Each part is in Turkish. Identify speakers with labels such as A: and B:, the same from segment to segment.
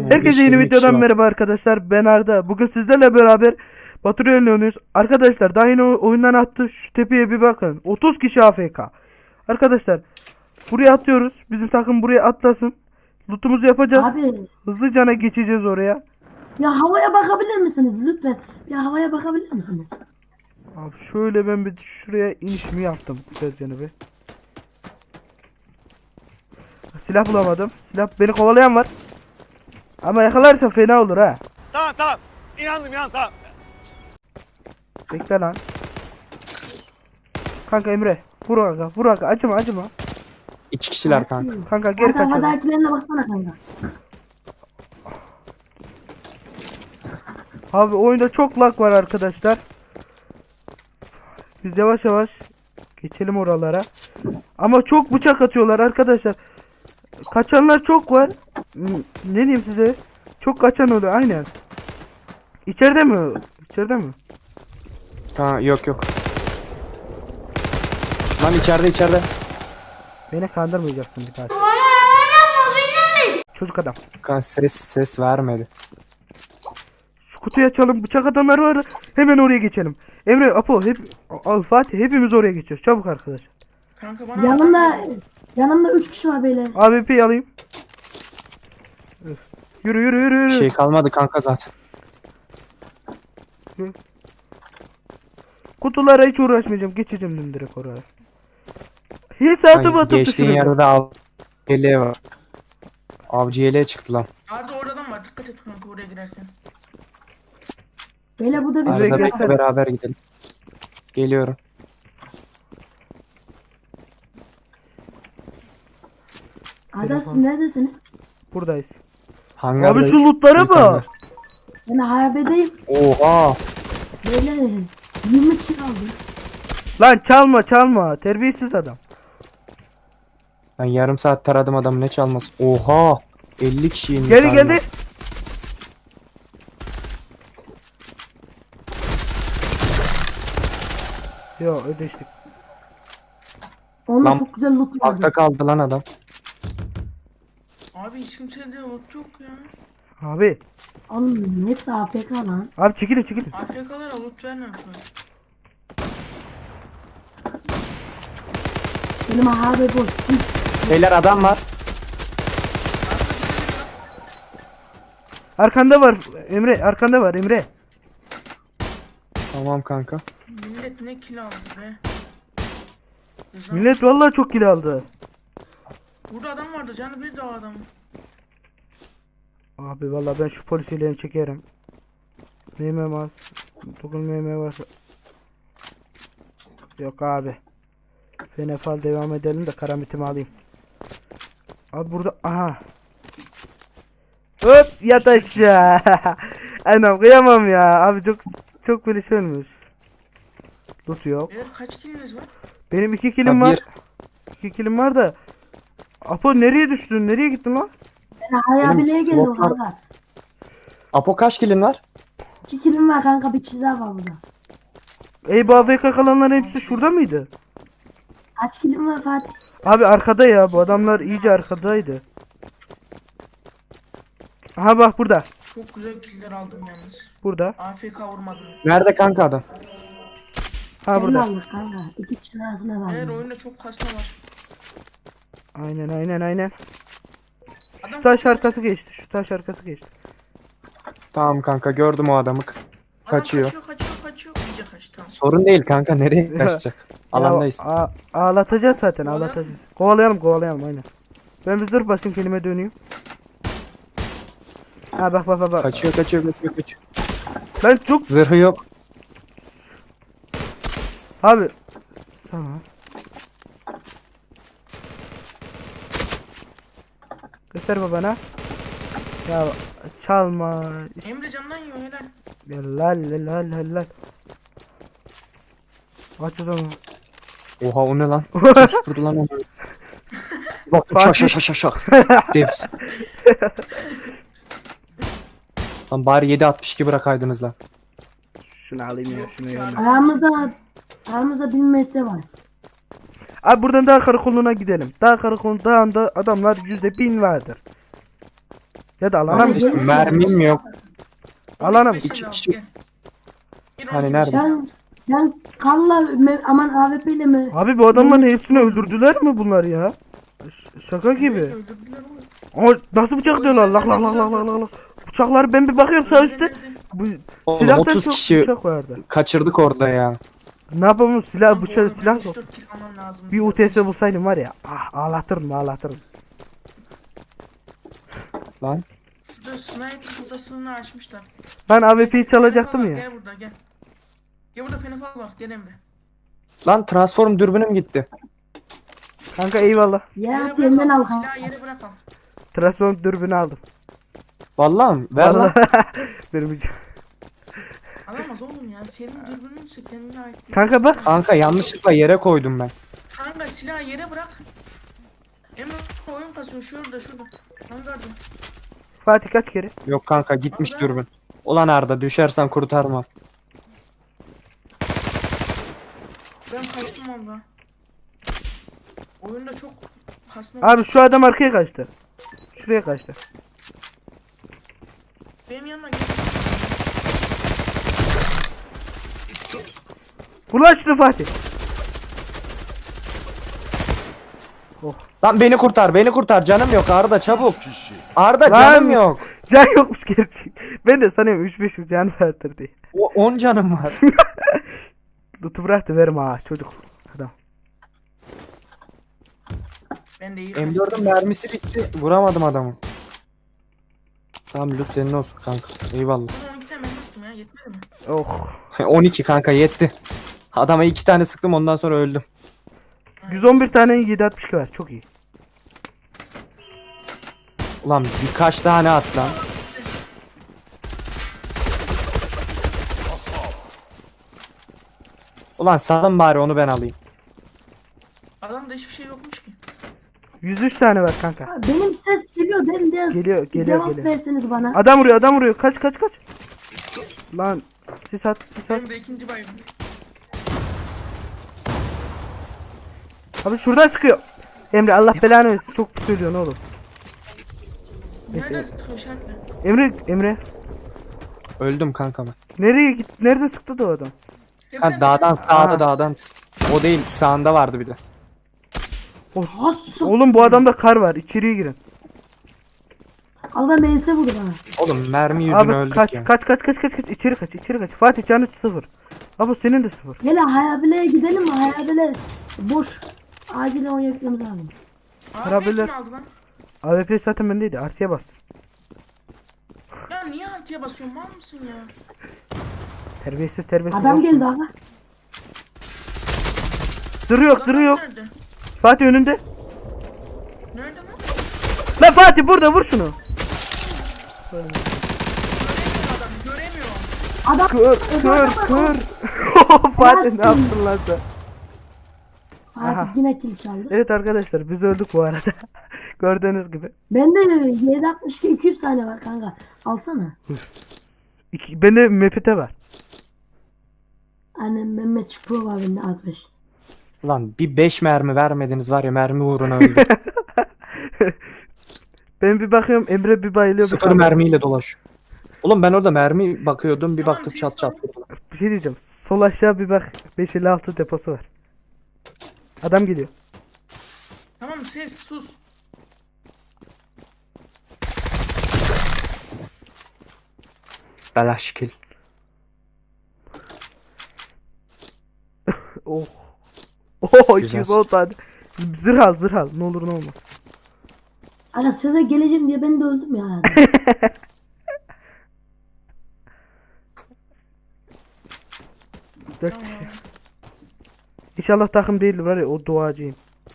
A: Herkese yeni
B: 15-20 kişi
A: videodan
B: var.
A: merhaba arkadaşlar. Ben Arda. Bugün sizlerle beraber Baturay'la oynuyoruz. Arkadaşlar daha yeni oyundan attı. Şu tepeye bir bakın. 30 kişi AFK. Arkadaşlar buraya atıyoruz. Bizim takım buraya atlasın. Lootumuzu yapacağız.
C: Abi
A: Hızlıcana geçeceğiz oraya.
C: ya havaya bakabilir misiniz lütfen? Ya havaya bakabilir misiniz?
A: Abi şöyle ben bir şuraya inişimi yaptım. Güzelce bir. Silah bulamadım. Silah beni kovalayan var. Ama yakalarsa fena olur ha.
D: Tamam tamam. İnandım tamam.
A: Bekle lan. Kanka Emre. Vur kanka. Vur kanka. Acıma.
B: 2 kişiler kanka.
A: Kanka geri
C: Arda
A: kaçalım.
C: havadakilerine baksana kanka.
A: Abi oyunda çok lag var arkadaşlar. Biz yavaş yavaş geçelim oralara. Ama çok bıçak atıyorlar arkadaşlar. Kaçanlar çok var. Ne diyeyim size? Çok kaçan oluyor aynen. İçeride mi? İçeride mi?
B: Ha yok. Lan içeride.
A: Beni kandırmayacaksın bir daha. Çocuk adam.
B: Kanka ses vermedi.
A: Şu kutuyu açalım. Bıçak adamlar var. Hemen oraya geçelim. Emre, Apo, Fatih hepimiz oraya geçiyoruz. Çabuk arkadaş.
E: Kanka bana
C: Yanımda 3 kişi var beyler.
A: AWP'yi alayım. Yürü.
B: Bir şey kalmadı kanka zaten.
A: Kutulara hiç uğraşmayacağım. Geçeceğim dün direkt oraya. Hiç atıp atıp
B: Geçtiğin
A: düşürüyorum.
B: yerde av yeleği var. Avcı yeleği çıktı lan.
E: Arda oradan var, dikkat et kanka oraya girerken.
C: Beyler bu da bir
A: Arda
C: şey
B: Arada
A: gelsene.
B: bekle beraber gidelim. Geliyorum.
C: Arda siz neredesiniz?
A: Buradayız.
B: Hangardayız.
A: Abi şu lootlara
B: Büyük
A: bak.
B: hangar.
C: Ben harabedeyim.
B: Oha.
C: Beyler 20 kişi kaldı.
A: Lan çalma. Terbiyesiz adam.
B: Ben yarım saat taradım adamı, ne çalması. Oha. 50 kişiyim.
A: Geldi. Yo ödeştik.
C: Onda
B: Lan,
C: çok güzel loot
B: Altta
C: vardı.
B: kaldı lan adam.
E: Abi hiç kimsede loot yok ya.
A: Abi.
C: Oğlum hepsi AFK lan.
A: Abi çekilin.
E: AFK'lara loot vermemişler.
C: Benim harabe boş.
B: Beyler adam var.
A: Arkanda var Emre.
B: Tamam kanka.
E: Millet ne kill aldı be.
A: Millet vallahi çok kill aldı.
E: Burada adam vardı, canı bir de o adam.
A: Abi vallahi ben şu polisiyle çekerim. Neyime var? Dokunmaya var. Yok abi. Fenefal devam edelim de karamitimi alayım. Abi burada aha. Hop yat aşağı. Anam kıyamam ya. Abi çok böyle şey olmuş. Loot yok.
E: Eğer kaç killiniz var?
A: Benim 2 kilim
B: Ha,
A: var. 2 kilim var da. Apo nereye düştün? Nereye gittin lan?
C: Ben harabeliğe geldim
B: slot var.
C: kanka.
B: Apo kaç kilin var?
C: 2 kilim var kanka, bir kişi daha var burada.
A: Ey bu AFK kalanların hepsi şurada mıydı?
C: Kaç kilim var Fatih?
A: Abi arkada ya, bu adamlar iyice arkadaydı. Aha bak burada.
E: Çok güzel killer aldım yalnız.
A: Burada.
E: AFK vurmadım.
B: Nerede kanka adam?
A: Ha
C: Sen
A: burada.
C: aldık kanka. 2 kişinin arasında
E: Eğer
C: kaldı.
E: oyunda çok kasma var.
A: Aynen. Şu
E: Adam
A: taş arkası geçti.
B: Tamam kanka, gördüm o adamı. Kaçıyor.
E: Kaçıyor. İyice kaçtı, tamam.
B: Sorun değil kanka, nereye kaçacak? Alandayız.
A: Ya, ağlatacağız zaten,
E: Kovalayalım
A: ağlatacağız. Kovalayalım aynen. Ben bir dur basayım, kelime döneyim. Ha bak.
B: Kaçıyor.
A: Ben çok
B: Zırhı yok.
A: abi. Tamam. Göster babana. Ya çalma.
E: Emre candan yiyor helal.
A: Helal. Aç o zaman.
B: Oha, o ne lan? Kim süpürdü lan onu? Bak şak. Devs. Lan bari 7.62 bırakaydınız lan.
A: Şunu alayım ya, şunu ya.
C: Aramızda 1000 metre var.
A: Abi buradan dağ karakoluna gidelim. Dağ karakolunda adamlar %1000 vardır. Ya da alana mı?
C: Gel.
B: Mermim yok.
A: Alana mı?
B: İki kişi.
E: Gel. Gel
B: Hani
E: 12
B: nerede?
E: beşinci
C: Ben Kalla aman AWP ile mi?
A: Abi bu adamların hepsini öldürdüler mi bunlar ya? Şaka gibi.
E: öldürdüler oğlum.
A: Ama nasıl bıçak diyorlar? Lak lak lak lak lak lak. Bıçakları ben bir bakıyorum sağ üstte. Bu
B: Oğlum
A: silahtan
B: 30
A: çok
B: kişi
A: bıçak vardı.
B: kaçırdık orada ya.
A: Ne yapalım silah
E: Lan bu
A: bıçak
E: arada
A: silah
E: benim
A: yok.
E: 3-4 kill almam lazım.
A: Bir UTS bulsaydım var ya. Ah ağlatırım ağlatırım.
B: Lan.
E: Şurada sniper odasını açmışlar.
A: Ben AWP'yi çalacaktım
E: Fenefal var,
A: ya.
E: Gel burada gel. Gel burada fenefal bak gel Emre.
B: Lan transform dürbünüm gitti.
A: Kanka eyvallah.
C: Ya
E: Yere
C: yeniden al.
E: bırak al. Silahı yere bırak al.
A: Transform dürbünü aldım.
B: Vallahi mi? Ver lan.
A: Vallahi. Benim için.
E: Alamaz oğlum ya. Senin dürbününse kendine ait. değil.
A: Kanka bak.
B: Kanka yanlışlıkla yere koydum ben.
E: Kanka silahı yere bırak. Emre oyun kasıyor şurada. Kanka
A: Fatih kaç kere?
B: Yok kanka gitmiş dürbün. Ulan Arda düşersen kurtarma.
E: ben kaçtım valla. Oyunda çok kasma.
A: Abi şu adam arkaya kaçtı. Şuraya kaçtı.
E: Benim yanıma gel.
A: Vur lan şunu Fatih.
B: Lan beni kurtar canım yok Arda çabuk. Arda
A: Lan.
B: canım yok.
A: Can yokmuş gerçek. Ben de sanıyorum 3-5 can vardır diye.
B: 10 canım var.
A: Tutu bıraktı verme ha çocuk. Adam.
E: Ben de iyi
B: M4'ün mermisi bitti. Vuramadım adamı. Tamam Lüt senin olsun kanka. Eyvallah.
E: Ama 12 tane ben yaptım ya yetmedi mi?
A: Oh.
B: 12 kanka yetti. Adama 2 tane sıktım ondan sonra öldüm.
A: 111 tane 762 var. Çok iyi.
B: Ulan birkaç tane at lan. Ulan salın bari onu ben alayım.
E: Adamda hiçbir şey yokmuş ki.
A: 103 tane var kanka.
C: Benim ses geliyor değil mi? Biraz
A: Geliyor, geliyor,
C: cevap
A: geliyor.
C: verseniz bana.
A: Adam vuruyor. Kaç. Lan sis at.
E: Benim de ikinci bayım.
A: Abi şuradan sıkıyor. Emre Allah belanı versin. Çok söylüyorsun oğlum.
E: Nereden sıkıyor şartla?
A: Emre.
B: Öldüm kanka ben.
A: Nereye git? Nerede sıktı da o adam?
B: Ha, dağdan sağda
A: Ha.
B: dağdan. O değil sağında vardı bir de.
C: Has.
A: Oğlum bu adamda kar var. İçeriye girin.
C: Allah MS vurdu bana.
B: Oğlum mermi yüzüne
A: Abi
B: öldük
A: kaç,
B: ya.
A: kaç. İçeri kaç. Fatih canı 0. Abi senin de 0.
C: Hele Hayabile'ye gidelim mi? Hayabile boş. Acilen onu yüklememiz lazım.
A: Kırabilir.
E: Kim aldı lan?
A: AWP zaten bendeydi. Artıya bastım.
E: Ya niye artıya basıyorsun mal mısın ya?
A: Terbiyesiz.
C: Adam
A: boş.
C: geldi aga.
A: Duruyor.
E: Nerede?
A: Fatih önünde.
E: Nerede lan?
A: Lan Fatih burada vur şunu.
E: Göremiyorum.
C: Adam
A: Kır. Fatih ne yaptın lan sen? Aha.
C: Fatih yine kill çaldı.
A: Evet arkadaşlar biz öldük bu arada. Gördüğünüz gibi.
C: Bende 762 200 tane var kanka. Alsana.
A: Bende MPT var.
C: Annem Mehmet Pro var bende 65.
B: Lan bir 5 mermi vermediniz var ya mermi uğruna öldüm.
A: Ben bir bakıyorum Emre bir bayılıyor. bir
B: 0
A: kalıyor.
B: mermiyle dolaş. Oğlum ben orada mermi bakıyordum bir
E: Tamam,
B: baktım
E: siz
B: çat çat.
A: Bir şey diyeceğim. Sol aşağı bir bak. 556 deposu var. Adam geliyor.
E: Tamam ses sus.
B: Belaş kill.
A: Oh. Oh
B: Güzel.
A: 210 tane. Zırh al. Ne olur ne olmaz.
C: Ana size geleceğim diye ben de öldüm ya.
A: Dört kişi. İnşallah takım değildir var ya o duacıyım.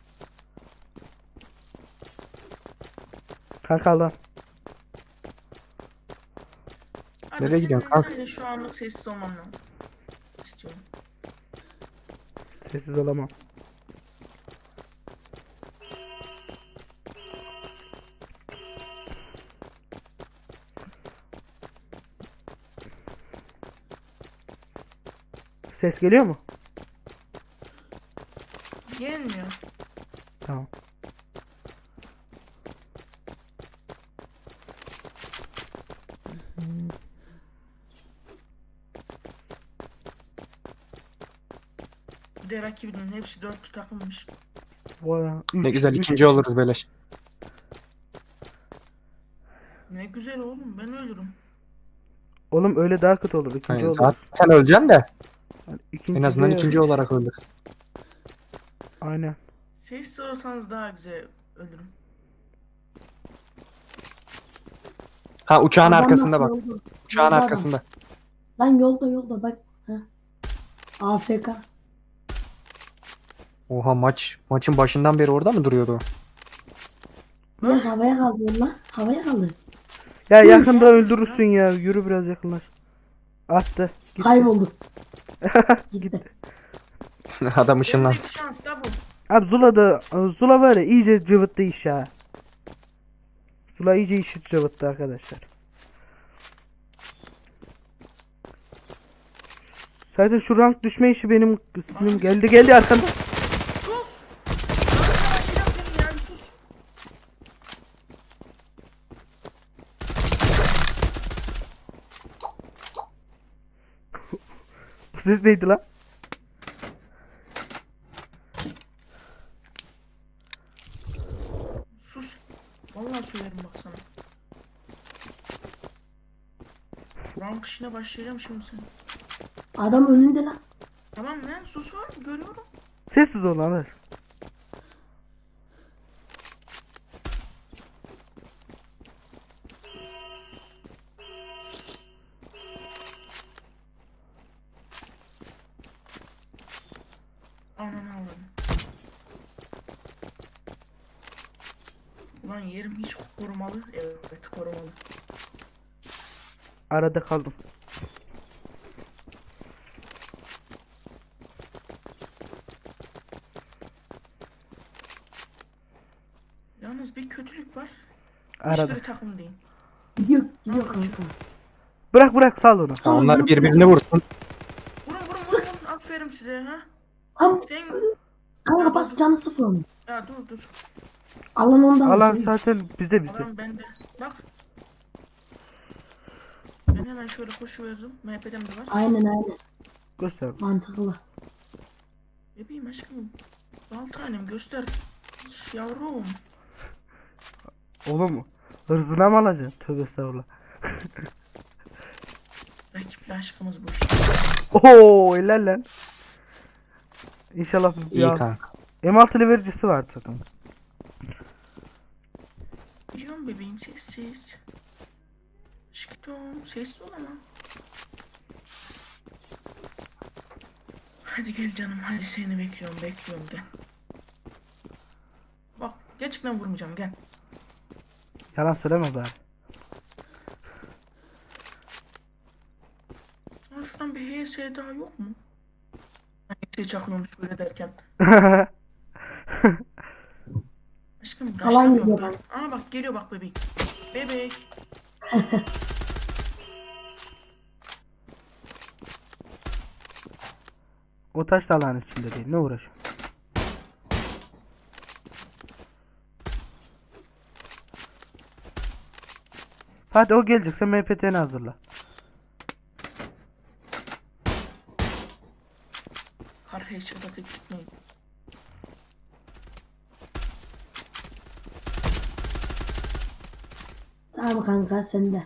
A: Kanka Allah.
E: Hadi
B: Nereye gidiyorsun kanka?
E: Sadece şu anlık sessiz olmam lazım. İstiyorum.
A: Sessiz olamam. Ses geliyor mu?
E: Gelmiyor.
A: Tamam.
E: Bir de rakibinin hepsi 4 takılmış.
A: Vay,
B: Ne
A: üç,
B: güzel
A: üç.
B: ikinci oluruz beleş.
E: Ne güzel oğlum, ben ölürüm.
A: Oğlum öyle daha kötü olur. İkinci
B: Yani
A: olur.
B: zaten öleceksin de
A: İkinci
B: en azından
A: de-
B: ikinci olarak öldür.
A: Aynen.
E: Sessiz olsanız daha güzel ölürüm.
B: Ha uçağın
C: Adam
B: arkasında
C: bak,
B: bak.
C: yolda.
B: Uçağın
C: Yolda adam.
B: arkasında.
C: Lan yolda bak. Ha. AFK.
B: Oha maçın başından beri orada mı duruyordu o?
C: Biraz havaya kaldı lan. Havaya kaldı.
A: Ya yakında öldürürsün ya. Yürü biraz yakınlaş. Attı. Gitti.
C: Kayboldu. Gitti.
B: Adam ışınlandı.
E: Elindeki şans da bu.
A: Abi Zula var ya iyice cıvıttı iş ya. Zula iyice işi cıvıttı arkadaşlar. Zaten şu rank düşme işi benim sinirim geldi arkanda.
E: Sus! Lan seni ya, bir sus.
A: Bu ses neydi lan?
E: Sus. Vallahi söylerim bak sana. Rank işine başlayacağım şimdi sen.
C: Adam önünde lan.
E: Tamam lan, susun, görüyorum.
A: Sessiz ol lan.
E: Ananı avradım. Ulan yerim hiç korumalı. Evet, korumalı.
A: Arada kaldım.
E: Yalnız bir kötülük var.
A: Arada.
E: Hiçbiri takım değil.
C: Gidiyor kanka.
A: Bırak sal onu.
C: Sağ ol,
B: Onlar
C: dur.
B: birbirini vursun.
E: Vurun. Aferin size ha.
C: Tam
E: Sen...
C: kanka bas canı sıfır onu.
E: Ya dur.
C: Alan ondan.
A: Alan
C: vursun.
A: zaten bizde.
E: Adam bende. Bak. Ben hemen şöyle koşu veririm. MHP'den de var.
C: Aynen.
A: Göster.
C: Mantıklı.
E: Bebeğim aşkım. Bal tanem göster. Yavrum.
A: Oğlum hırzına mı alacaksın? Tövbe estağfurullah.
E: Rakiple aşkımız bu işte.
A: Oo helal lan. İnşallah bir
B: İyi
A: al.
B: kanka.
A: M6 vericisi var zaten.
E: Biliyorum bebeğim, sessiz. Aşkım sessiz ol ama. Hadi gel canım, hadi seni bekliyorum gel. Bak gerçekten vurmayacağım, gel.
A: Yalan söyleme bari.
E: Sana şuradan bir HS daha yok mu? HS çakıyormuş böyle derken. Aşkım
C: Alan
E: raşlamıyor
C: gidiyor
E: gel. Aa bak geliyor bak bebek. Bebek.
A: O taş da alanın içinde değil. Ne uğraşıyor? Hadi o gelecekse MPT'ni hazırla.
E: Har headshot'a tek gitmeyin.
C: Tamam kanka sende.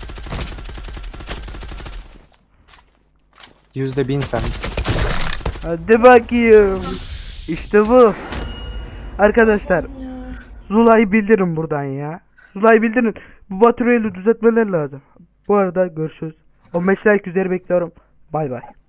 B: %1000 sen.
A: Hadi bakayım. İşte bu. Arkadaşlar
E: Ya.
A: Zula'yı bildirin buradan ya. Zula'yı bildirin. Bu Baturay'ı düzeltmeler lazım. Bu arada görüşürüz. 15 like üzeri bekliyorum. Bay bay.